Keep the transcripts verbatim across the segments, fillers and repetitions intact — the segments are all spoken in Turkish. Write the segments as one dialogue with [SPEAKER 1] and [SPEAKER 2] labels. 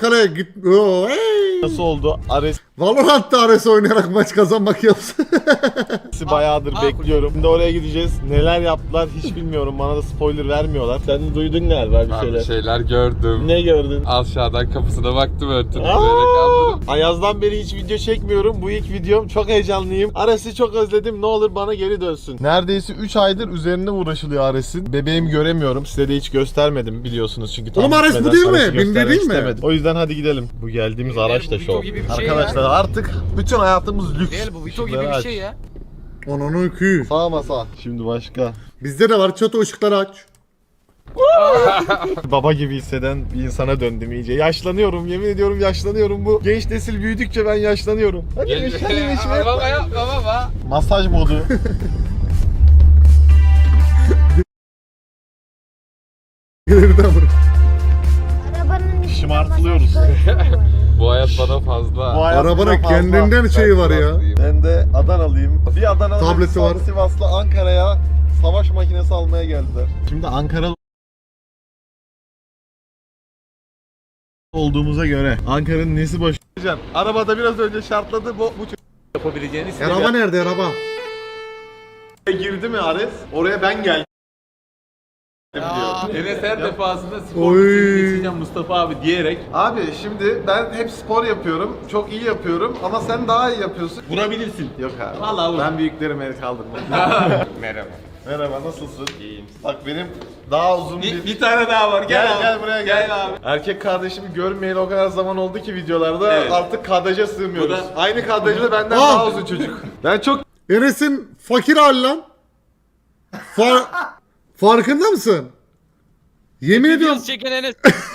[SPEAKER 1] kaleye git. Oo, hey.
[SPEAKER 2] Nasıl oldu? Ares
[SPEAKER 1] Valorant'ta Ares oynayarak maç kazanmak yapsın.
[SPEAKER 2] bayağıdır
[SPEAKER 3] Aa,
[SPEAKER 2] bekliyorum. Şimdi oraya gideceğiz. Neler yaptılar hiç bilmiyorum. Bana da spoiler vermiyorlar. Sen duydun galiba bir
[SPEAKER 4] Ben
[SPEAKER 2] şeyler.
[SPEAKER 4] bir şeyler gördüm.
[SPEAKER 2] Ne gördün?
[SPEAKER 4] Aşağıdan kapısına baktım örtünü böyle
[SPEAKER 2] Aa!
[SPEAKER 4] kaldırdım.
[SPEAKER 2] Ayaz'dan beri hiç video çekmiyorum. Bu ilk videom. Çok heyecanlıyım. Ares'i çok özledim. Ne olur bana geri dönsün. Neredeyse üç aydır üzerinde uğraşılıyor Ares'in. Bebeğimi göremiyorum. Size de hiç göstermedim biliyorsunuz çünkü tam
[SPEAKER 1] Oğlum Ares bu
[SPEAKER 2] bitmeden
[SPEAKER 1] değil mi?
[SPEAKER 2] Ares'i
[SPEAKER 1] Binde
[SPEAKER 2] göstermek
[SPEAKER 1] değil mi?
[SPEAKER 2] istemedim. O yüzden hadi gidelim. Bu geldiğimiz
[SPEAKER 3] Beyler,
[SPEAKER 2] araç
[SPEAKER 3] bu
[SPEAKER 2] da
[SPEAKER 3] Vito
[SPEAKER 2] şov.
[SPEAKER 3] gibi bir şey ya.
[SPEAKER 2] Arkadaşlar artık bütün hayatımız lüks.
[SPEAKER 3] Değil bu Vito gibi
[SPEAKER 2] Işıkları
[SPEAKER 3] bir
[SPEAKER 2] aç.
[SPEAKER 3] şey ya.
[SPEAKER 1] Onun iki.
[SPEAKER 2] Sağ masa. Şimdi başka.
[SPEAKER 1] Bizde de var, çatı ışıkları aç.
[SPEAKER 2] Baba gibi hisseden bir insana döndüm iyice. Yaşlanıyorum, yemin ediyorum yaşlanıyorum. Bu genç nesil büyüdükçe ben yaşlanıyorum. Hadi geç, hadi geç.
[SPEAKER 3] Baba ya baba baba.
[SPEAKER 2] Masaj modu.
[SPEAKER 1] Geriden vur.
[SPEAKER 5] Arabanın üstünde
[SPEAKER 2] Şımartılıyoruz.
[SPEAKER 5] masaj koltuğu var.
[SPEAKER 4] Bu hayat bana fazla.
[SPEAKER 2] Bu hayat
[SPEAKER 1] Arabana
[SPEAKER 2] bize fazla.
[SPEAKER 1] kendinden şeyi var ya.
[SPEAKER 4] Sivaslıyım.
[SPEAKER 2] Ben de Adanalıyım. Bir Adanalı
[SPEAKER 1] Tableti
[SPEAKER 2] bir
[SPEAKER 1] var.
[SPEAKER 2] Sivaslı Ankara'ya savaş makinesi almaya geldiler. Şimdi Ankara olduğumuza göre Ankara'nın nesi boş? Arabada biraz önce şartladı bu bu çocuk yapabileceğini
[SPEAKER 1] Araba nerede araba?
[SPEAKER 2] girdi mi Ares? Oraya ben geldim
[SPEAKER 3] Ya.
[SPEAKER 2] diyor.
[SPEAKER 6] Enes her defasında spor
[SPEAKER 1] Oy.
[SPEAKER 6] seni geçeceğim Mustafa abi diyerek
[SPEAKER 2] Abi şimdi ben hep spor yapıyorum. Çok iyi yapıyorum ama sen daha iyi yapıyorsun.
[SPEAKER 6] vurabilirsin.
[SPEAKER 2] Yok abi.
[SPEAKER 6] Vallahi vur.
[SPEAKER 2] Ben büyüklerime el kaldırmam.
[SPEAKER 6] Merhaba.
[SPEAKER 2] Merhaba nasılsın? İyiyim. Bak benim daha uzun bir...
[SPEAKER 6] Bir, bir tane daha var. Gel,
[SPEAKER 2] Gel
[SPEAKER 6] abi.
[SPEAKER 2] gel buraya gel.
[SPEAKER 6] Gel abi.
[SPEAKER 2] Erkek kardeşimi görmeyeli o kadar zaman oldu ki videolarda
[SPEAKER 6] Evet.
[SPEAKER 2] artık kadraja sığmıyoruz.
[SPEAKER 6] Bu da-
[SPEAKER 2] Aynı kadrajda benden
[SPEAKER 1] Aa!
[SPEAKER 2] daha uzun çocuk. Ben çok
[SPEAKER 1] Enes'in fakir hali lan. Far... Farkında mısın? Yemin ediyorum,
[SPEAKER 3] Videosu çeken Enes.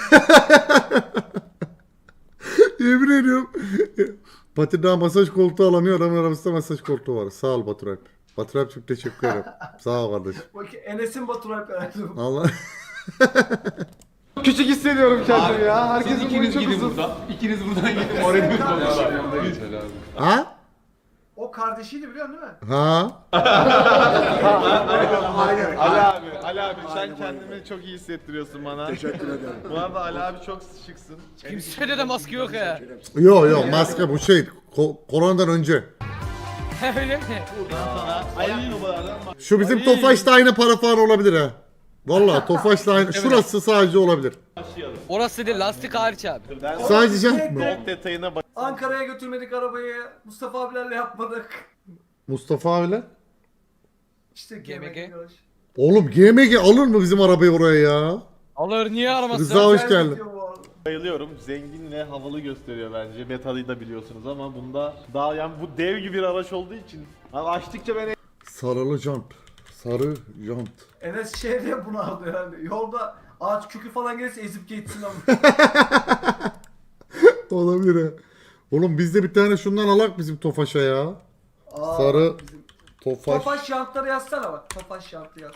[SPEAKER 1] yemin ediyorum. Batı'da masaj koltuğu alamıyor, adamın arabasında masaj koltuğu var. Sağ ol Batur Alp. Batur Alp çok teşekkür ederim. Sağ ol kardeşim.
[SPEAKER 7] Bak Enes'in Batur Alp herhalde.
[SPEAKER 1] Allah.
[SPEAKER 2] küçük hissediyorum kendimi
[SPEAKER 6] Abi,
[SPEAKER 2] ya.
[SPEAKER 6] Siz
[SPEAKER 2] Herkesin boyu
[SPEAKER 6] ikiniz
[SPEAKER 2] çok
[SPEAKER 6] gidin
[SPEAKER 2] uzun.
[SPEAKER 6] buradan. İkiniz buradan gidin. Oraya bir
[SPEAKER 4] Selam.
[SPEAKER 1] Ha?
[SPEAKER 7] O kardeşiydi biliyorsun değil mi?
[SPEAKER 1] Ha?
[SPEAKER 2] Ali abi, Ali abi sen kendini çok iyi hissettiriyorsun bana. Teşekkür ederim. Bu arada Ali abi çok şıksın.
[SPEAKER 3] Kimsede de maske yok ya.
[SPEAKER 1] Yo yo, maske bu şey. Ko- koronadan önce.
[SPEAKER 3] Öyle mi?
[SPEAKER 1] Şu bizim Tofaş'ta aynı para falan olabilir ha. Vallahi Tofaş'ta aynı. Şurası sadece olabilir.
[SPEAKER 3] Orası değil lastik hariç abi.
[SPEAKER 1] Sadece jant mı?
[SPEAKER 2] Çok detayına bak.
[SPEAKER 7] Ankara'ya götürmedik arabayı. Mustafa abilerle yapmadık.
[SPEAKER 1] Mustafa abiyle.
[SPEAKER 7] İşte
[SPEAKER 3] G M G.
[SPEAKER 7] G M G. yarış.
[SPEAKER 1] Oğlum G M G alır mı bizim arabayı oraya ya?
[SPEAKER 3] Alır niye aramazsın?
[SPEAKER 1] Rıza hoş
[SPEAKER 7] Güzel
[SPEAKER 1] geldin.
[SPEAKER 7] video bu arada.
[SPEAKER 2] Bayılıyorum. Zengin ve havalı gösteriyor bence. Metal'i da biliyorsunuz ama bunda daha yani bu dev gibi bir araç olduğu için abi açtıkça ben
[SPEAKER 1] Sarılı jant. Sarı jant.
[SPEAKER 7] Enes şey diye bunu aldı herhalde. Yolda ağaç kökü falan gelirse ezip geçsin ama.
[SPEAKER 1] Olabilir ha. Oğlum biz de bir tane şundan alak bizim Tofaş'a ya.
[SPEAKER 7] Aa,
[SPEAKER 1] Sarı
[SPEAKER 7] bizim-
[SPEAKER 1] Tofaş.
[SPEAKER 7] Tofaş jantları yazsana bak. Tofaş jantı yaz.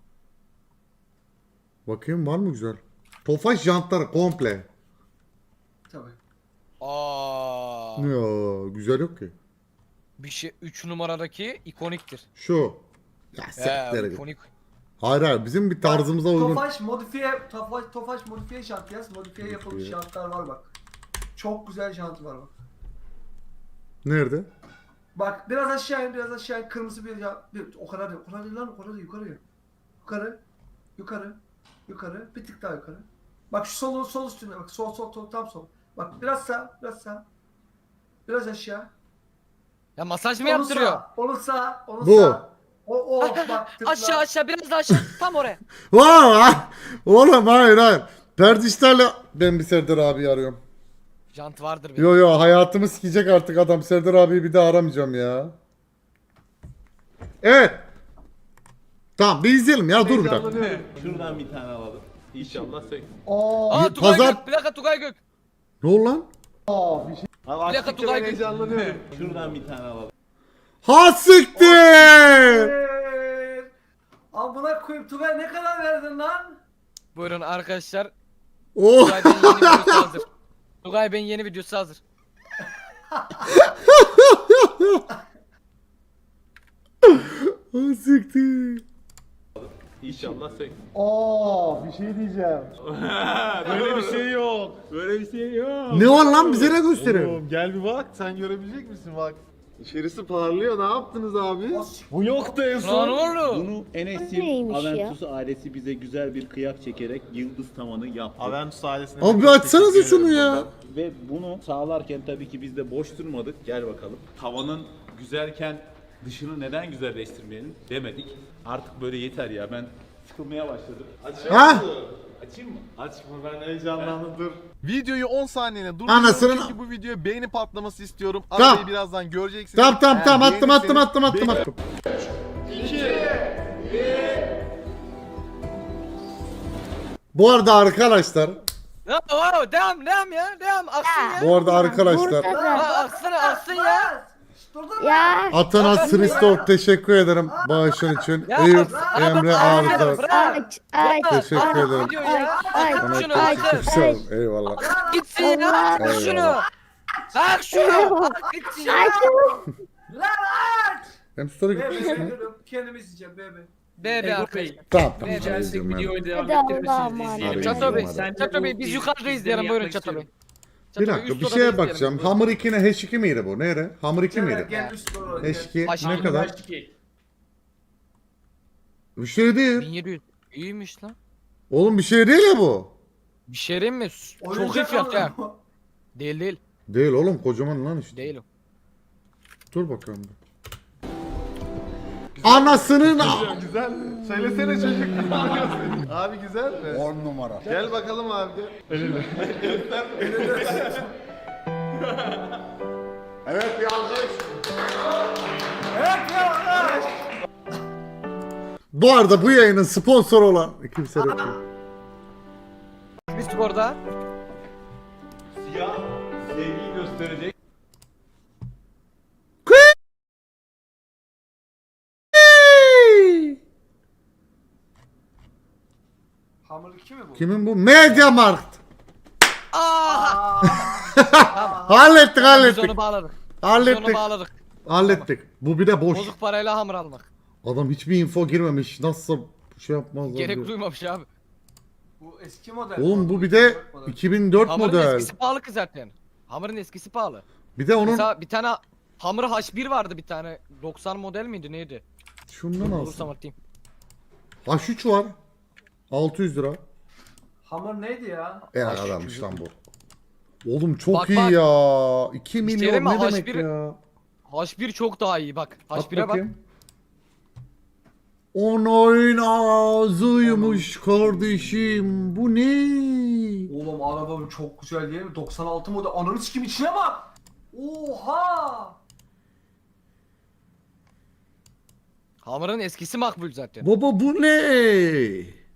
[SPEAKER 1] Bakayım var mı güzel? Tofaş jantları komple.
[SPEAKER 7] Tabii.
[SPEAKER 3] Aa.
[SPEAKER 1] Ya güzel yok ki.
[SPEAKER 3] Bir şey üç numaradaki ikoniktir.
[SPEAKER 1] Şu. Ya
[SPEAKER 3] He,
[SPEAKER 1] sektere git.
[SPEAKER 3] ikonik.
[SPEAKER 1] Hayır hayır bizim bir tarzımıza uygun.
[SPEAKER 7] Tofaş modifiye, Tofaş, Tofaş modifiye jant yaz. Modifiye yapılmış
[SPEAKER 1] Modifiye.
[SPEAKER 7] jantlar var bak. Çok güzel jant var bak.
[SPEAKER 1] Nerede?
[SPEAKER 7] Bak biraz aşağı in, biraz aşağı in. Kırmızı bir jant. Bir, o kadar değil, o kadar değil lan, o kadar değil. Yukarı. Yukarı. Yukarı. Yukarı. Bir tık daha yukarı. Bak şu sol, sol üstüne bak. Sol, sol, sol, tam sol. Bak biraz sağ, biraz sağ. Biraz aşağı.
[SPEAKER 3] Ya masaj mı
[SPEAKER 7] Onu
[SPEAKER 3] yaptırıyor?
[SPEAKER 7] sağ, onu sağ, onu
[SPEAKER 1] Bu.
[SPEAKER 7] sağ. O, o, bak tıkla.
[SPEAKER 3] Aşağı aşağı biraz daha aşağı tam oraya.
[SPEAKER 1] Vaa! Oğlum hayır hayır. Perdişlerle ben bir Serdar abi arıyorum.
[SPEAKER 3] Jant vardır benim.
[SPEAKER 1] Yo yo hayatımı sikecek artık adam. Serdar abiyi bir daha aramayacağım ya. Evet. Tamam bir izleyelim ya dur bir dakika.
[SPEAKER 6] Şuradan bir tane alalım. İnşallah sek.
[SPEAKER 3] Aa Tugay
[SPEAKER 1] Pazar-
[SPEAKER 3] Gök. Bir dakika Tugay Gök.
[SPEAKER 1] Ne oldu lan?
[SPEAKER 2] abi
[SPEAKER 3] dakika,
[SPEAKER 2] açtıkça
[SPEAKER 3] Tugay
[SPEAKER 2] ben
[SPEAKER 3] Gül.
[SPEAKER 2] heyecanlanıyorum.
[SPEAKER 6] Şuradan bir tane alalım.
[SPEAKER 1] Ha siktir!
[SPEAKER 7] Evet. Amına koyayım Tugay ne kadar verdin lan?
[SPEAKER 3] Buyurun arkadaşlar.
[SPEAKER 1] Oh!
[SPEAKER 3] Tugay Bey'in yeni videosu hazır. Tugay Bey'in yeni videosu hazır.
[SPEAKER 1] Ha siktir.
[SPEAKER 6] İnşallah sen.
[SPEAKER 2] Aa, bir şey diyeceğim. Böyle bir şey yok.
[SPEAKER 6] Böyle bir şey yok.
[SPEAKER 1] Ne var lan, bize ne gösteriyor?
[SPEAKER 2] Oğlum gel bir bak, sen görebilecek misin bak. İçerisi parlıyor, ne yaptınız abi? Bu yoktu en
[SPEAKER 3] Lan
[SPEAKER 2] son.
[SPEAKER 3] oğlum.
[SPEAKER 6] Bunu Enes'in
[SPEAKER 5] neymiş ya?
[SPEAKER 6] Aventus ailesi bize güzel bir kıyak çekerek yıldız tavanı yaptı.
[SPEAKER 2] Aventus ailesine...
[SPEAKER 1] Abi bir
[SPEAKER 2] çok
[SPEAKER 1] açsanıza
[SPEAKER 2] teşekkür
[SPEAKER 1] şunu
[SPEAKER 2] ederim
[SPEAKER 1] ya.
[SPEAKER 2] buradan.
[SPEAKER 6] Ve bunu sağlarken tabii ki biz de boş durmadık. Gel bakalım. Tavanın güzelken dışını neden güzelleştirmeyelim demedik. Artık böyle yeter ya, ben sıkılmaya başladım. Açayım
[SPEAKER 1] Ha?
[SPEAKER 6] mı? Açayım mı?
[SPEAKER 2] Açma, ben heyecanlandım, dur. Videoyu on saniyene durduruyorum
[SPEAKER 1] Anasının-
[SPEAKER 2] çünkü bu videoya beğeni patlaması istiyorum.
[SPEAKER 1] Tamam.
[SPEAKER 2] Arabayı birazdan göreceksiniz.
[SPEAKER 1] Tamam tamam
[SPEAKER 2] Eğer
[SPEAKER 1] tamam, attım attım
[SPEAKER 2] beğenirseniz
[SPEAKER 1] attım attım
[SPEAKER 2] beğeni-
[SPEAKER 1] attım. Bu arada arkadaşlar,
[SPEAKER 3] Ya wow, devam devam ya. Devam aksın ya.
[SPEAKER 1] bu arada arkadaşlar,
[SPEAKER 5] Burada
[SPEAKER 3] Ha,
[SPEAKER 5] da.
[SPEAKER 3] aksana aksın ya.
[SPEAKER 5] Ya.
[SPEAKER 1] Atanas Hristov teşekkür ederim bağışın için.
[SPEAKER 3] Ya
[SPEAKER 1] Eyüp
[SPEAKER 3] bırak,
[SPEAKER 1] Emre
[SPEAKER 3] bırak,
[SPEAKER 1] Arda
[SPEAKER 3] bırak.
[SPEAKER 5] Aç aç.
[SPEAKER 1] teşekkür
[SPEAKER 3] Aç,
[SPEAKER 1] ederim.
[SPEAKER 3] video ya.
[SPEAKER 5] Ay,
[SPEAKER 3] Aç
[SPEAKER 1] Bana
[SPEAKER 3] şunu
[SPEAKER 1] teşekkür
[SPEAKER 3] aç.
[SPEAKER 1] ederim. Eyvallah.
[SPEAKER 3] Gitsin ya. Aç
[SPEAKER 1] Eyvallah.
[SPEAKER 3] şunu. Aç şunu. Aç gitsin ya.
[SPEAKER 5] Aç.
[SPEAKER 1] Hem story
[SPEAKER 7] Bebe
[SPEAKER 1] gitmiş mi?
[SPEAKER 7] bekliyorum. Kendimiz yiyeceğim bebe.
[SPEAKER 3] Bebe arkadaşlar.
[SPEAKER 1] Tamam tamam.
[SPEAKER 3] Ne
[SPEAKER 1] tamam, izliyorum ben.
[SPEAKER 5] Hadi Allah'a emanet.
[SPEAKER 3] Çato Bey,
[SPEAKER 1] Hadi.
[SPEAKER 3] Çato Bey biz yukarıda izleyelim buyurun Çato Bey. Çato
[SPEAKER 1] Bir
[SPEAKER 3] Bey,
[SPEAKER 1] dakika
[SPEAKER 3] üst
[SPEAKER 1] bir
[SPEAKER 3] odada
[SPEAKER 1] şeye
[SPEAKER 3] izleyelim.
[SPEAKER 1] bakacağım. Hamur iki ne? H iki miydi bu? Nere? Hamur iki
[SPEAKER 7] Gel
[SPEAKER 1] miydi?
[SPEAKER 7] gel üst doğru.
[SPEAKER 1] H iki
[SPEAKER 3] Aşağı
[SPEAKER 1] ne
[SPEAKER 3] in,
[SPEAKER 1] kadar? Bir şey değil.
[SPEAKER 3] bin yedi yüz. İyiymiş lan.
[SPEAKER 1] Oğlum bir şey değil ya bu.
[SPEAKER 3] Bir şey diyeyim mi? Çok iyi
[SPEAKER 7] Oyuncak
[SPEAKER 3] fiyat ya.
[SPEAKER 7] aldım.
[SPEAKER 3] Değil değil.
[SPEAKER 1] Değil oğlum, kocaman lan işte.
[SPEAKER 3] Değil o.
[SPEAKER 1] Dur bakalım. bir. Anasının
[SPEAKER 2] Güzel. Söylesene çocuk. Abi güzel mi? on numara. Gel bakalım abi gel. Elini.
[SPEAKER 1] Evet bir alkış.
[SPEAKER 7] Evet ya.
[SPEAKER 1] Bu arada bu yayının sponsoru olan kimse yok.
[SPEAKER 3] Bir sporda.
[SPEAKER 6] Siyah sevgiyi gösterecek.
[SPEAKER 7] Hamur iki mi bu?
[SPEAKER 1] Kimin bu? Mediamarkt.
[SPEAKER 3] Aa!
[SPEAKER 1] Hallettik
[SPEAKER 3] Biz
[SPEAKER 1] hallettik.
[SPEAKER 3] onu bağladık. Biz onu
[SPEAKER 1] Hallettik.
[SPEAKER 3] bağladık.
[SPEAKER 1] Hallettik. Bu bir de boş.
[SPEAKER 3] Bozuk parayla hamur almak.
[SPEAKER 1] Adam hiçbir info girmemiş. Nasıl şey yapmazlar
[SPEAKER 3] Gerek
[SPEAKER 1] diyor.
[SPEAKER 3] duymamış abi.
[SPEAKER 7] Bu eski model.
[SPEAKER 1] Oğlum bu bir de iki bin dört
[SPEAKER 3] Hamurun
[SPEAKER 1] model.
[SPEAKER 3] eskisi pahalı ki zaten. Hamurun eskisi pahalı.
[SPEAKER 1] Bir de onun
[SPEAKER 3] Mesela bir tane hamur H bir vardı bir tane. doksan model miydi neydi?
[SPEAKER 1] şundan
[SPEAKER 3] Bulursam
[SPEAKER 1] alsın.
[SPEAKER 3] atayım.
[SPEAKER 1] H üç var. altı yüz lira.
[SPEAKER 7] Hamur neydi ya?
[SPEAKER 1] E adammış lan bu. Oğlum çok
[SPEAKER 3] Bak,
[SPEAKER 1] iyi
[SPEAKER 3] bak.
[SPEAKER 1] ya. iki milyon
[SPEAKER 3] İşte
[SPEAKER 1] ne
[SPEAKER 3] değil mi?
[SPEAKER 1] demek
[SPEAKER 3] H bir
[SPEAKER 1] ya?
[SPEAKER 3] H bir çok daha iyi bak.
[SPEAKER 1] At
[SPEAKER 3] H bire bak.
[SPEAKER 1] bakayım. Onun ağzıymış kardeşim. Bu ne?
[SPEAKER 7] Oğlum arabam çok güzel değil mi? doksan altı model. Ananı sikim içine bak. Oha.
[SPEAKER 3] Hamurun eskisi makbul zaten.
[SPEAKER 1] Baba bu ne?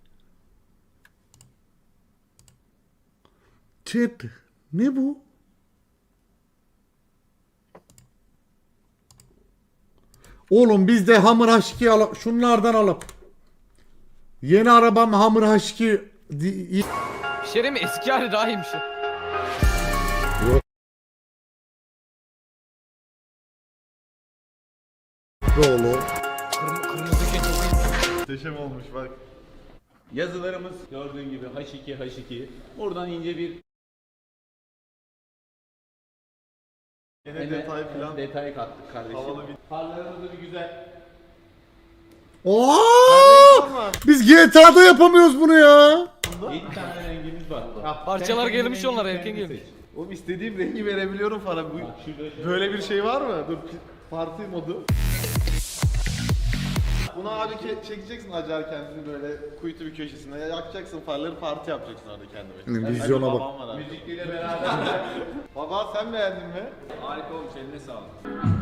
[SPEAKER 1] Chat. Ne bu? Oğlum biz de Hammer H iki alıp şunlardan alıp yeni arabam Hammer H iki di-
[SPEAKER 3] Bir şey diyeyim mi? Eski hali daha iyiymiş.
[SPEAKER 1] Oğlum.
[SPEAKER 3] Kırm kırmızı şey çok iyi.
[SPEAKER 2] Muhteşem olmuş bak.
[SPEAKER 6] Yazılarımız gördüğün gibi H iki H iki. Buradan ince bir
[SPEAKER 2] Yine detay falan.
[SPEAKER 6] detay kattık kardeşim.
[SPEAKER 2] Havalı bir-
[SPEAKER 6] Farlarımızı bir güzel.
[SPEAKER 1] Oo! Biz G T A'da yapamıyoruz bunu ya.
[SPEAKER 6] yedi tane rengimiz var.
[SPEAKER 3] Parçalar
[SPEAKER 6] Sen
[SPEAKER 3] gelmiş
[SPEAKER 6] kendi
[SPEAKER 3] onlar,
[SPEAKER 6] rengini
[SPEAKER 3] erken
[SPEAKER 6] kendin
[SPEAKER 3] gelmiş.
[SPEAKER 6] seç.
[SPEAKER 2] Oğlum istediğim rengi verebiliyorum para. Bu,
[SPEAKER 6] Şurada şöyle-
[SPEAKER 2] böyle bir şey var mı? Dur parti modu. Bunu abi ke- çekeceksin acar kendini böyle kuytu bir köşesine yakacaksın farları parti yapacaksın orada kendi başına.
[SPEAKER 1] Yani vizyona
[SPEAKER 2] Hadi
[SPEAKER 1] bak.
[SPEAKER 2] babam var abi.
[SPEAKER 6] Müzikliyle beraber.
[SPEAKER 2] Baba sen beğendin mi?
[SPEAKER 6] Harika olmuş, eline sağlık.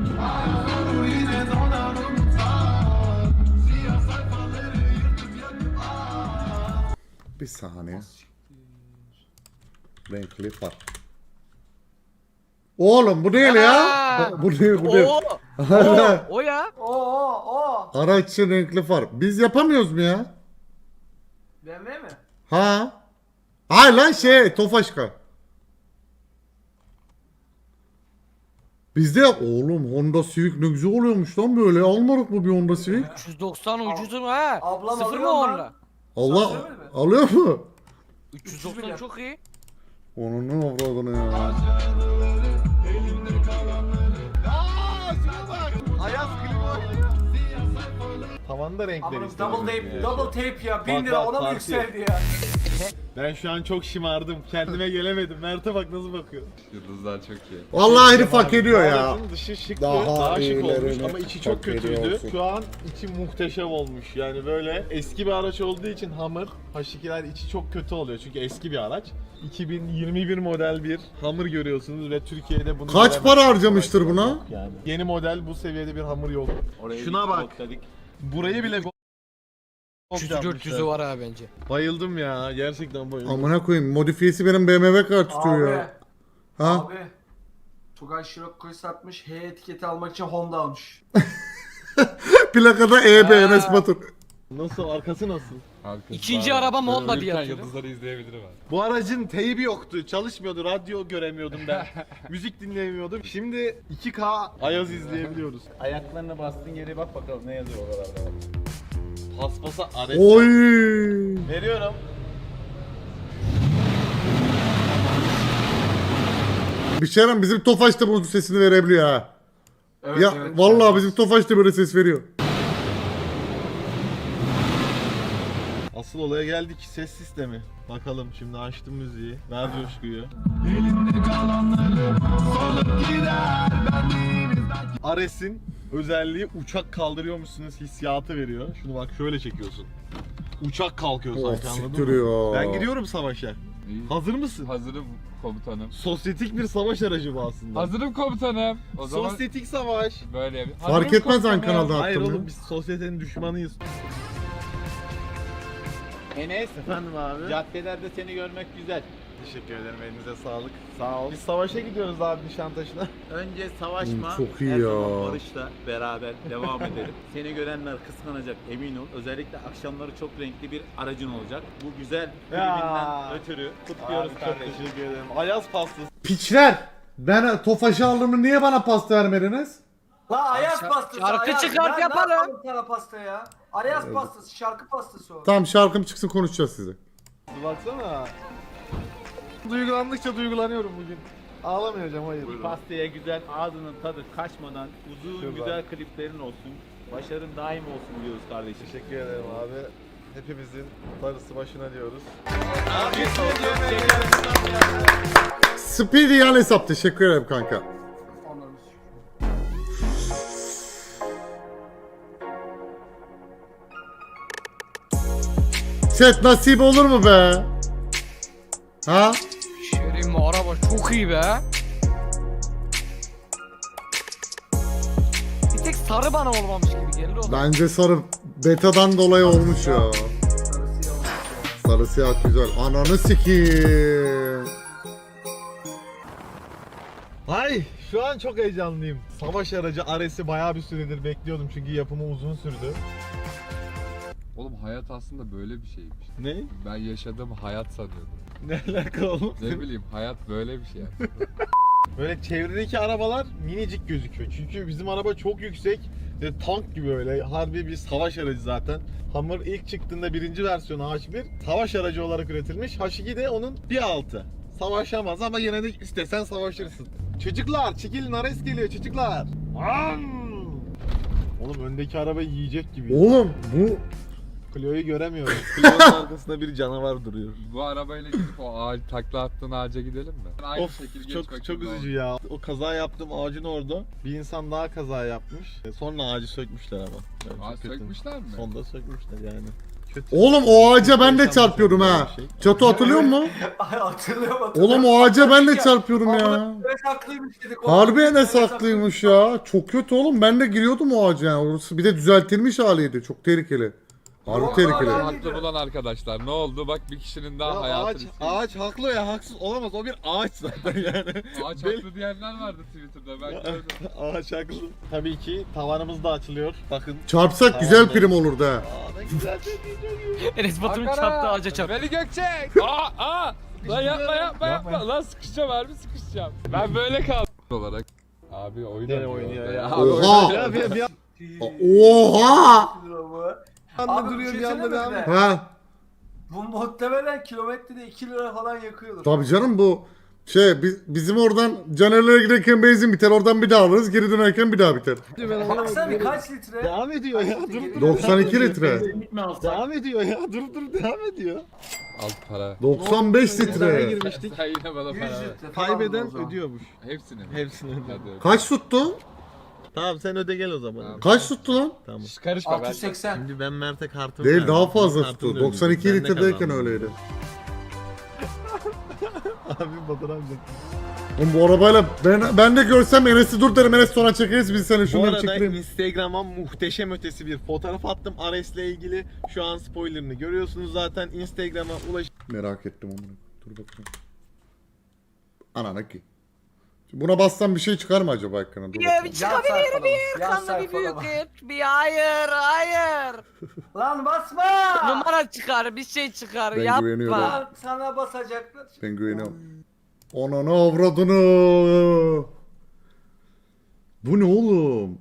[SPEAKER 1] Bir saniye. Renkli far. Oğlum bu değil ya.
[SPEAKER 3] Aa!
[SPEAKER 1] Bu değil bu değil.
[SPEAKER 3] Oo! O, o ya.
[SPEAKER 7] Oo oo.
[SPEAKER 1] Araç için renkli far. Biz yapamıyoruz mu ya?
[SPEAKER 7] B M W mi?
[SPEAKER 1] Ha? Hayır lan şey Tofaşka. Bizde oğlum Honda Civic ne güzel oluyormuş lan böyle. Almadık mı bir Honda Civic?
[SPEAKER 3] üç yüz doksan ucuzu mu ha?
[SPEAKER 7] Ablam
[SPEAKER 3] Sıfır
[SPEAKER 7] alıyor
[SPEAKER 3] mı
[SPEAKER 7] lan.
[SPEAKER 3] onunla?
[SPEAKER 1] Allah
[SPEAKER 7] Sen söylemedin mi?
[SPEAKER 1] alıyor mu?
[SPEAKER 3] üç yüz doksan çok iyi.
[SPEAKER 1] Onun ne avradını ya.
[SPEAKER 2] Ayaz klima. Tavan da renk
[SPEAKER 7] Amanım
[SPEAKER 2] değiştirdim.
[SPEAKER 7] double tape, double tape ya. bin
[SPEAKER 2] Bak,
[SPEAKER 7] lira
[SPEAKER 2] bak,
[SPEAKER 7] ona mı
[SPEAKER 2] farkı.
[SPEAKER 7] yükseldi ya?
[SPEAKER 2] Ben şu an çok şımardım. Kendime gelemedim. Mert'e bak nasıl bakıyor.
[SPEAKER 4] Yıldızlar çok iyi.
[SPEAKER 1] Vallahi herif hak ediyor ya.
[SPEAKER 2] Aracın dışı şıktı.
[SPEAKER 1] Daha
[SPEAKER 2] Daha, şık
[SPEAKER 1] iyilerini
[SPEAKER 2] olmuş ama içi çok
[SPEAKER 1] hak ediyor
[SPEAKER 2] kötüydü.
[SPEAKER 1] olsun.
[SPEAKER 2] Şu an içi muhteşem olmuş. Yani böyle eski bir araç olduğu için Hummer H ikiler içi çok kötü oluyor. Çünkü eski bir araç. iki bin yirmi bir model bir Hummer görüyorsunuz ve Türkiye'de bunu
[SPEAKER 1] Kaç
[SPEAKER 2] göremezsiniz.
[SPEAKER 1] para harcamıştır buna?
[SPEAKER 2] Yok Yani. Yeni model bu seviyede bir Hummer yok.
[SPEAKER 6] Oraya
[SPEAKER 2] Şuna
[SPEAKER 6] bir
[SPEAKER 2] bak.
[SPEAKER 6] noktadık.
[SPEAKER 2] Burayı bile go-
[SPEAKER 3] üç yüzü dört yüzü var ha bence.
[SPEAKER 2] Bayıldım ya. Gerçekten bayıldım.
[SPEAKER 1] Amına koyayım modifiyesi benim B M W kart tutuyor
[SPEAKER 7] Abi.
[SPEAKER 1] ya. Ha?
[SPEAKER 7] Abi. Tugay Şirokko'yu satmış. H etiketi almak için Honda almış.
[SPEAKER 1] Plakada E B Enes Batur.
[SPEAKER 2] Nasıl? Arkası nasıl?
[SPEAKER 4] Arkası
[SPEAKER 3] İkinci
[SPEAKER 4] var.
[SPEAKER 3] arabam Honda
[SPEAKER 4] Ölürken
[SPEAKER 3] diye hatırlıyorum.
[SPEAKER 4] Yıldızları izleyebilirim abi.
[SPEAKER 2] Bu aracın teybi yoktu, çalışmıyordu, radyo göremiyordum ben, müzik dinleyemiyordum. Şimdi iki K Ayaz izleyebiliyoruz.
[SPEAKER 6] Ayaklarına bastığın yere bak bakalım ne yazıyor oralarda.
[SPEAKER 2] Paspasa aret.
[SPEAKER 1] Oy.
[SPEAKER 2] Veriyorum.
[SPEAKER 1] Bir şeyden bizim Tofaş da bu sesini verebiliyor ha.
[SPEAKER 7] Evet,
[SPEAKER 1] Ya
[SPEAKER 7] evet.
[SPEAKER 1] vallahi bizim Tofaş da böyle ses veriyor.
[SPEAKER 2] Asıl olaya geldik, ses sistemi. Bakalım şimdi açtım müziği, ver coşkuyu. Ares'in özelliği uçak kaldırıyormuşsunuz hissiyatı veriyor. Şunu bak şöyle çekiyorsun. Uçak kalkıyor
[SPEAKER 1] Oh,
[SPEAKER 2] sanki anladın
[SPEAKER 1] siktir
[SPEAKER 2] mı?
[SPEAKER 1] ya.
[SPEAKER 2] Ben gidiyorum savaşa.
[SPEAKER 4] İyi.
[SPEAKER 2] Hazır mısın?
[SPEAKER 4] Hazırım komutanım.
[SPEAKER 2] Sosyetik bir savaş aracı bu aslında.
[SPEAKER 4] Hazırım komutanım. O zaman
[SPEAKER 2] Sosyetik savaş.
[SPEAKER 4] böyle bir...
[SPEAKER 1] Fark
[SPEAKER 4] Hazırım
[SPEAKER 1] etmez hangi
[SPEAKER 4] komutanım.
[SPEAKER 1] kanalda
[SPEAKER 2] Hayır
[SPEAKER 1] attım
[SPEAKER 2] oğlum
[SPEAKER 1] ya.
[SPEAKER 2] biz sosyetenin düşmanıyız.
[SPEAKER 6] Enes,
[SPEAKER 2] Efendim abi.
[SPEAKER 6] caddelerde seni görmek güzel.
[SPEAKER 2] Teşekkür ederim, elinize sağlık. Sağ ol. Biz savaşa gidiyoruz abi Nişantaşı'na.
[SPEAKER 6] Önce savaşma,
[SPEAKER 1] Hmm, çok iyi
[SPEAKER 6] her
[SPEAKER 1] ya.
[SPEAKER 6] zaman barışla beraber devam edelim. Seni görenler kıskanacak emin ol. Özellikle akşamları çok renkli bir aracın olacak. Bu güzel
[SPEAKER 2] Ya.
[SPEAKER 6] klibinden ötürü kutluyoruz
[SPEAKER 2] Abi,
[SPEAKER 6] kardeşim.
[SPEAKER 2] Çok teşekkür ederim. Ayaz pastası.
[SPEAKER 1] Piçler. Ben Tofaş'ı aldım niye bana pasta vermediniz?
[SPEAKER 7] La Ayaz
[SPEAKER 3] Şar-
[SPEAKER 7] pastası.
[SPEAKER 3] şarkı
[SPEAKER 7] Ayaz.
[SPEAKER 3] çıkart
[SPEAKER 7] Ben
[SPEAKER 3] yaparım.
[SPEAKER 7] Ne yapalım sana pasta ya? Ayaz pastası, şarkı pastası o.
[SPEAKER 1] Tamam şarkım çıksın konuşacağız size.
[SPEAKER 2] Baksana. Duygulandıkça duygulanıyorum bugün. Ağlamayacağım hayır.
[SPEAKER 6] Pastaya güzel, ağzının tadı kaçmadan uzun
[SPEAKER 2] Şuradan.
[SPEAKER 6] güzel kliplerin olsun. Başarın daim olsun diyoruz kardeşim.
[SPEAKER 2] Teşekkür ederim abi. Hepimizin darısı başına diyoruz.
[SPEAKER 1] Speedy yan hesap teşekkür ederim kanka.
[SPEAKER 7] Anladım.
[SPEAKER 1] Chat nasip olur mu be? Ha?
[SPEAKER 3] Şerim araba çok iyi be. Bir tek sarı bana olmamış gibi geldi o.
[SPEAKER 1] Bence sarı betadan dolayı olmuş ya.
[SPEAKER 7] Sarı siyah olmuş ya.
[SPEAKER 1] Sarı siyah güzel. Ananı sikiyim.
[SPEAKER 2] Ay şu an çok heyecanlıyım. Savaş aracı Ares'i bayağı bir süredir bekliyordum çünkü yapımı uzun sürdü.
[SPEAKER 4] Oğlum hayat aslında böyle bir şeymiş.
[SPEAKER 2] Ne?
[SPEAKER 4] Ben yaşadığım hayat sanıyordum.
[SPEAKER 2] Ne alaka oğlum?
[SPEAKER 4] Ne bileyim hayat böyle bir şey yani.
[SPEAKER 2] Böyle çevredeki arabalar minicik gözüküyor. Çünkü bizim araba çok yüksek ve tank gibi öyle. Harbi bir savaş aracı zaten. Hummer ilk çıktığında birinci versiyonu H bir savaş aracı olarak üretilmiş. H iki de onun bir altı. Savaşamaz ama yine de istesen savaşırsın. Çocuklar çekilin, Ares geliyor çocuklar. Am! Oğlum öndeki araba yiyecek gibi.
[SPEAKER 1] Oğlum bu
[SPEAKER 2] Clio'yu göremiyorum. Clio'nun arkasında bir canavar duruyor.
[SPEAKER 4] Bu arabayla gidip o ağaç takla attığın ağaca gidelim mi? Aynı
[SPEAKER 2] Of
[SPEAKER 4] şekil geç
[SPEAKER 2] çok
[SPEAKER 4] bakayım
[SPEAKER 2] çok
[SPEAKER 4] ne
[SPEAKER 2] üzücü ya. O kaza yaptığım ağacın orada bir insan daha kaza yapmış. E, Sonra ağacı sökmüşler ama. Yani
[SPEAKER 4] Aa,
[SPEAKER 2] çok kötü.
[SPEAKER 4] sökmüşler mi?
[SPEAKER 2] Sonda sökmüş yani. Kötü.
[SPEAKER 1] oğlum o ağaca ben de
[SPEAKER 2] İnsan
[SPEAKER 1] çarpıyordum
[SPEAKER 2] başına
[SPEAKER 1] ha.
[SPEAKER 2] böyle bir şey.
[SPEAKER 1] Çatı hatırlıyor musun?
[SPEAKER 7] Ay hatırlıyorum hatırlıyorum.
[SPEAKER 1] Oğlum o ağaca ben de çarpıyorum ya.
[SPEAKER 7] Enes haklıymış dedik.
[SPEAKER 1] Harbi
[SPEAKER 7] Enes
[SPEAKER 1] Enes haklıymış ya. Çok kötü oğlum. Ben de giriyordum o ağaca yani. Orası bir de düzeltilmiş haliydi. Çok tehlikeli. Harbi
[SPEAKER 7] Yok,
[SPEAKER 1] tehlikeli.
[SPEAKER 7] hala-
[SPEAKER 4] Haklı bulan arkadaşlar ne oldu? Bak bir kişinin daha
[SPEAKER 2] Ya
[SPEAKER 4] hayatını
[SPEAKER 2] ağaç,
[SPEAKER 4] istedim.
[SPEAKER 2] ağaç haklı ya haksız olamaz. O bir ağaç zaten yani.
[SPEAKER 4] Ağaç
[SPEAKER 2] Bel-
[SPEAKER 4] haklı diyenler vardı Twitter'da ben gördüm.
[SPEAKER 2] Ağaç haklı. Tabii ki tavanımız da açılıyor. Bakın.
[SPEAKER 1] Çarpsak güzel prim olurdu ha.
[SPEAKER 2] Aa ne güzel bir
[SPEAKER 3] Enes Batur'un
[SPEAKER 4] Ankara!
[SPEAKER 3] çarptığı ağaca çarptı.
[SPEAKER 4] Veli Gökçek! Aa aa! Lan yapma yapma yapma. Lan sıkışacağım harbi sıkışacağım. Ben böyle kaldım. Olarak Abi oyun
[SPEAKER 2] Gene
[SPEAKER 4] oynuyor
[SPEAKER 2] oynuyor
[SPEAKER 4] orada
[SPEAKER 2] ya.
[SPEAKER 4] Abi oyun
[SPEAKER 1] Oha!
[SPEAKER 4] oynuyor.
[SPEAKER 2] Ya bir, bir
[SPEAKER 1] Oha!
[SPEAKER 2] anda
[SPEAKER 7] Abi
[SPEAKER 2] duruyor
[SPEAKER 7] bir
[SPEAKER 2] bir
[SPEAKER 7] şey
[SPEAKER 2] anda
[SPEAKER 7] söyleyeyim
[SPEAKER 2] devam
[SPEAKER 7] mi?
[SPEAKER 2] ediyor.
[SPEAKER 1] Ha.
[SPEAKER 7] Bu muhtemelen kilometrede iki lira falan yakıyordur.
[SPEAKER 1] Tabii canım bu şey biz, bizim oradan Caner'lere giderken benzin biter. Oradan bir daha alırız. Geri dönerken bir daha biter.
[SPEAKER 2] Ben anlamadım.
[SPEAKER 7] Baksana bir kaç litre?
[SPEAKER 2] Devam ediyor ya. Dur dur.
[SPEAKER 1] doksan iki litre.
[SPEAKER 2] Devam ediyor ya. Dur dur devam ediyor.
[SPEAKER 4] Al para.
[SPEAKER 1] doksan beş
[SPEAKER 2] İddiaya
[SPEAKER 1] litre.
[SPEAKER 2] girmiştik.
[SPEAKER 4] Sen yine bana
[SPEAKER 7] yüz
[SPEAKER 4] para ver.
[SPEAKER 7] litre falan
[SPEAKER 2] Kaybeden
[SPEAKER 7] o zaman.
[SPEAKER 2] ödüyormuş.
[SPEAKER 4] Hepsini mi?
[SPEAKER 2] Hepsini ödüyor.
[SPEAKER 4] Hadi öyle.
[SPEAKER 1] Kaç tuttu?
[SPEAKER 2] Tamam sen öde gel o zaman.
[SPEAKER 4] Tamam.
[SPEAKER 1] Kaç tuttu lan?
[SPEAKER 2] Tamam.
[SPEAKER 4] Şş, Karışma
[SPEAKER 7] altı
[SPEAKER 4] ben.
[SPEAKER 7] yüz seksen.
[SPEAKER 2] Şimdi ben Mert'e kartımı
[SPEAKER 1] Değil
[SPEAKER 2] verdim.
[SPEAKER 1] daha fazla
[SPEAKER 2] Kartını
[SPEAKER 1] tuttu.
[SPEAKER 2] ödeyeceğim.
[SPEAKER 1] doksan iki
[SPEAKER 2] Ben de
[SPEAKER 1] litredeyken
[SPEAKER 2] kazandım.
[SPEAKER 1] öyleydi.
[SPEAKER 2] Abi Batur amca.
[SPEAKER 1] Oğlum bu arabayla ben, ben de görsem Enes'i dur derim. Enes sonra çekeriz biz seni
[SPEAKER 2] Bu
[SPEAKER 1] şunları
[SPEAKER 2] arada
[SPEAKER 1] çekelim.
[SPEAKER 2] Instagram'a muhteşem ötesi bir fotoğraf attım Ares'le ilgili. Şu an spoilerını görüyorsunuz zaten. Instagram'a ulaş.
[SPEAKER 1] Merak ettim onu. Dur bakayım. Anana ki. Buna bassam bir şey çıkar mı acaba ekrana? Dur
[SPEAKER 3] Ya
[SPEAKER 1] bakayım.
[SPEAKER 3] bir
[SPEAKER 7] Yan
[SPEAKER 3] çıkabilir bir
[SPEAKER 7] sayfalama, yan
[SPEAKER 3] kanlı bir büyük
[SPEAKER 7] sayfalama.
[SPEAKER 3] et. Bir hayır hayır.
[SPEAKER 7] Lan basma!
[SPEAKER 3] Numara çıkar bir şey çıkar
[SPEAKER 1] Ben
[SPEAKER 3] yapma.
[SPEAKER 1] güveniyorum.
[SPEAKER 7] Lan sana basacaklar.
[SPEAKER 1] Ben güveniyorum. Ananı avradını. Bu ne oğlum?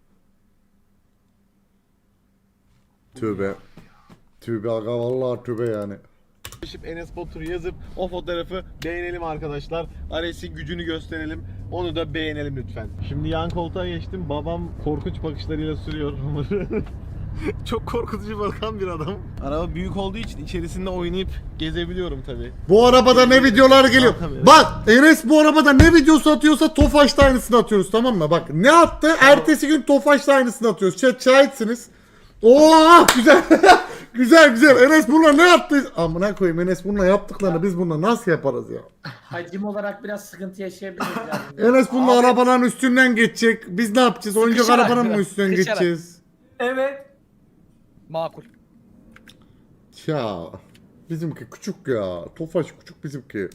[SPEAKER 1] Tövbe. Tövbe aga vallahi tövbe yani.
[SPEAKER 2] Ulaşıp Enes Batur'u yazıp o fotoğrafı beğenelim arkadaşlar. Ares'in gücünü gösterelim. Onu da beğenelim lütfen. Şimdi yan koltuğa geçtim. Babam korkunç bakışlarıyla sürüyor. Çok korkutucu bakan bir adam. Araba büyük olduğu için içerisinde oynayıp gezebiliyorum tabi.
[SPEAKER 1] Bu arabada ne videolar geliyor.
[SPEAKER 2] Tamam.
[SPEAKER 1] Bak Enes bu arabada ne videosu atıyorsa Tofaş'ta aynısını atıyoruz tamam mı? Bak ne attı? Ertesi gün Tofaş'ta aynısını atıyoruz. Chat şahitsiniz. Oo güzel. Güzel güzel. Enes bununla ne yaptı? Amına koyayım Enes bununla yaptıklarını biz bununla nasıl yaparız ya?
[SPEAKER 8] Hacim olarak biraz sıkıntı yaşayabiliriz yani.
[SPEAKER 1] Enes bununla arabaların üstünden geçecek. Biz ne yapacağız? Oyuncak
[SPEAKER 3] Sıkışarak
[SPEAKER 1] arabanın mı
[SPEAKER 3] biraz,
[SPEAKER 1] üstünden
[SPEAKER 3] sıkışarak.
[SPEAKER 1] geçeceğiz?
[SPEAKER 7] Evet.
[SPEAKER 3] Makul.
[SPEAKER 1] Ya bizimki küçük ya. Tofaş küçük bizimki.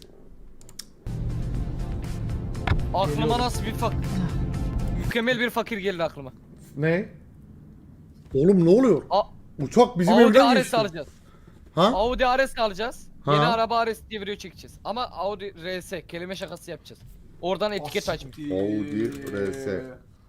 [SPEAKER 3] Aklıma nasıl bir fak... Mükemmel bir fakir geldi aklıma.
[SPEAKER 1] Ne? Oğlum ne oluyor?
[SPEAKER 3] A
[SPEAKER 1] Uçak bizim
[SPEAKER 3] Audi
[SPEAKER 1] evden
[SPEAKER 3] R S
[SPEAKER 1] geçti.
[SPEAKER 3] alacağız.
[SPEAKER 1] Ha?
[SPEAKER 3] Audi R S alacağız.
[SPEAKER 1] Ha.
[SPEAKER 3] Yeni araba R S diye video çekeceğiz. Ama Audi R S kelime şakası yapacağız. Oradan etiket açmış.
[SPEAKER 1] Audi R S.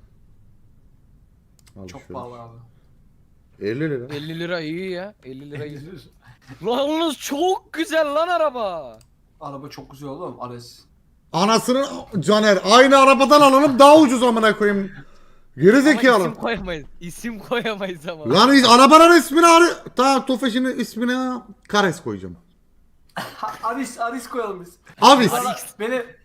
[SPEAKER 1] Al
[SPEAKER 7] Çok
[SPEAKER 1] şöyle.
[SPEAKER 7] pahalı abi.
[SPEAKER 1] elli lira.
[SPEAKER 3] elli lira iyi ya. elli lira iyi. Lan yalnız çok güzel lan araba.
[SPEAKER 7] Araba çok güzel oğlum Ares.
[SPEAKER 1] Anasının Caner aynı arabadan alalım daha ucuz amına koyayım. Geri
[SPEAKER 3] Ama
[SPEAKER 1] zekalı.
[SPEAKER 3] isim koyamayız. İsim koyamayız ama.
[SPEAKER 1] Lan is- arabanın ismini arı. Tamam Tofaş'ın ismine Kares koyacağım.
[SPEAKER 7] Ha, Aris, Aris koyalım biz.
[SPEAKER 1] Avis.
[SPEAKER 7] Valla Benim,